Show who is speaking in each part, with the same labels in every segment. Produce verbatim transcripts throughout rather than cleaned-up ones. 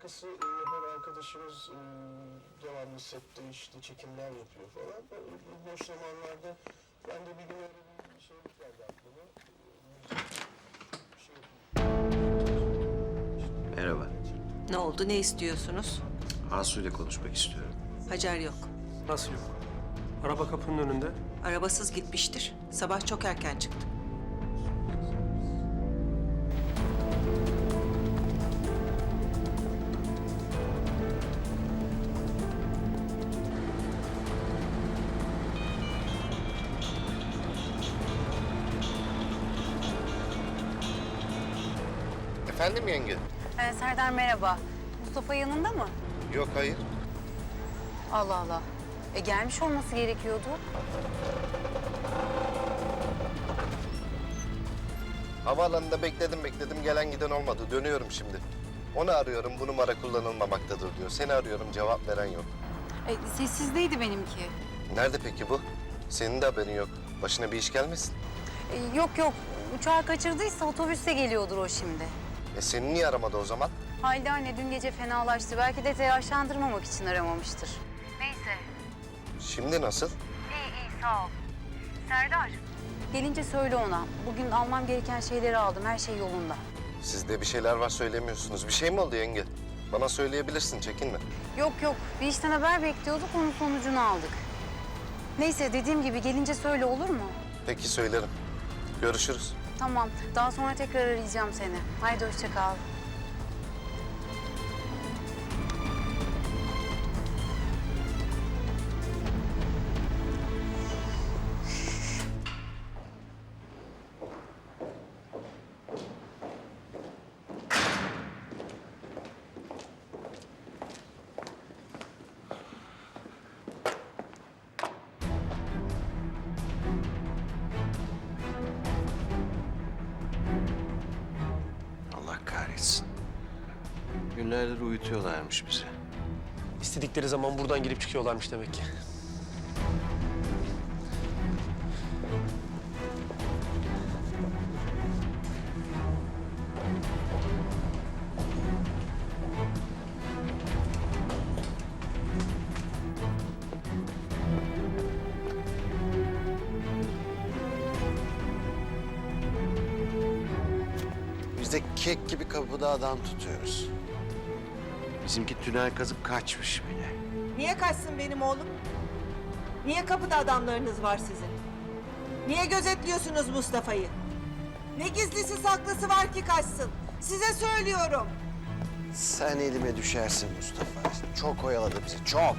Speaker 1: şakası yapan arkadaşımız e, devamlı sette işte çekimler yapıyor falan. Bu boş zamanlarda ben de bir gün öyle bir şeylik geldi aklıma. Bir şey yapayım.
Speaker 2: Merhaba.
Speaker 3: Ne oldu, ne istiyorsunuz?
Speaker 2: Asu ile konuşmak istiyorum.
Speaker 3: Hacer yok.
Speaker 4: Nasıl yok? Araba kapının önünde.
Speaker 3: Arabasız gitmiştir. Sabah çok erken çıktı.
Speaker 5: Efendim yenge?
Speaker 6: Ee, Serdar merhaba. Mustafa yanında mı?
Speaker 5: Yok, hayır.
Speaker 6: Allah Allah. E gelmiş olması gerekiyordu.
Speaker 5: Havaalanında bekledim bekledim gelen giden olmadı. Dönüyorum şimdi. Onu arıyorum, bu numara kullanılmamaktadır diyor. Seni arıyorum, cevap veren yok.
Speaker 6: E, sessizdeydi benimki.
Speaker 5: Nerede peki bu? Senin de haberin yok. Başına bir iş gelmesin.
Speaker 6: E, yok yok. Uçağı kaçırdıysa otobüste geliyordur o şimdi.
Speaker 5: E seni niye aramadı o zaman?
Speaker 6: Halide anne dün gece fenalaştı. Belki de telaşlandırmamak için aramamıştır. Neyse.
Speaker 5: Şimdi nasıl?
Speaker 6: İyi iyi sağ ol. Serdar. Gelince söyle ona. Bugün almam gereken şeyleri aldım. Her şey yolunda.
Speaker 5: Sizde bir şeyler var söylemiyorsunuz. Bir şey mi oldu yenge? Bana söyleyebilirsin, çekinme.
Speaker 6: Yok yok. Bir işten haber bekliyorduk. Onun sonucunu aldık. Neyse dediğim gibi gelince söyle olur mu?
Speaker 5: Peki söylerim. Görüşürüz.
Speaker 6: Tamam. Daha sonra tekrar arayacağım seni. Haydi hoşça kal.
Speaker 2: Allah kahretsin. Günlerdir uyutuyorlarmış bizi.
Speaker 4: İstedikleri zaman buradan girip çıkıyorlarmış demek ki.
Speaker 2: Biz de kek gibi kapıda adam tutuyoruz. Bizimki tünel kazıp kaçmış bile.
Speaker 7: Niye kaçsın benim oğlum? Niye kapıda adamlarınız var sizin? Niye gözetliyorsunuz Mustafa'yı? Ne gizlisi saklısı var ki kaçsın? Size söylüyorum.
Speaker 2: Sen elime düşersin Mustafa. Çok oyaladı bizi, çok.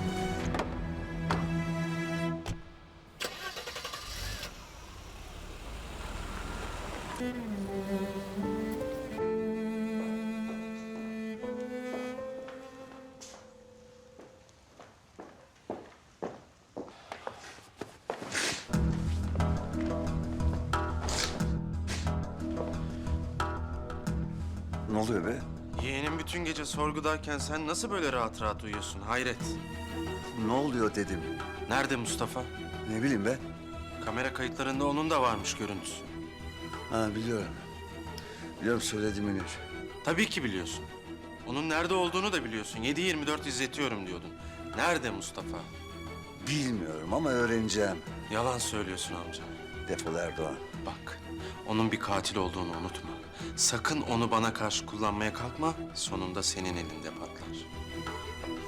Speaker 2: Ne oluyor be?
Speaker 8: Yeğenim bütün gece sorgudayken sen nasıl böyle rahat rahat uyuyorsun? Hayret.
Speaker 2: Ne oluyor dedim.
Speaker 8: Nerede Mustafa?
Speaker 2: Ne bileyim be.
Speaker 8: Kamera kayıtlarında onun da varmış görüntüsü.
Speaker 2: Ha biliyorum. Biliyorum söyledi Münir.
Speaker 8: Tabii ki biliyorsun. Onun nerede olduğunu da biliyorsun. yedi yirmi dört izletiyorum diyordun. Nerede Mustafa?
Speaker 2: Bilmiyorum ama öğreneceğim.
Speaker 8: Yalan söylüyorsun amca.
Speaker 2: Defol Erdoğan.
Speaker 8: Bak, onun bir katil olduğunu unutma. Sakın onu bana karşı kullanmaya kalkma. Sonunda senin elinde patlar.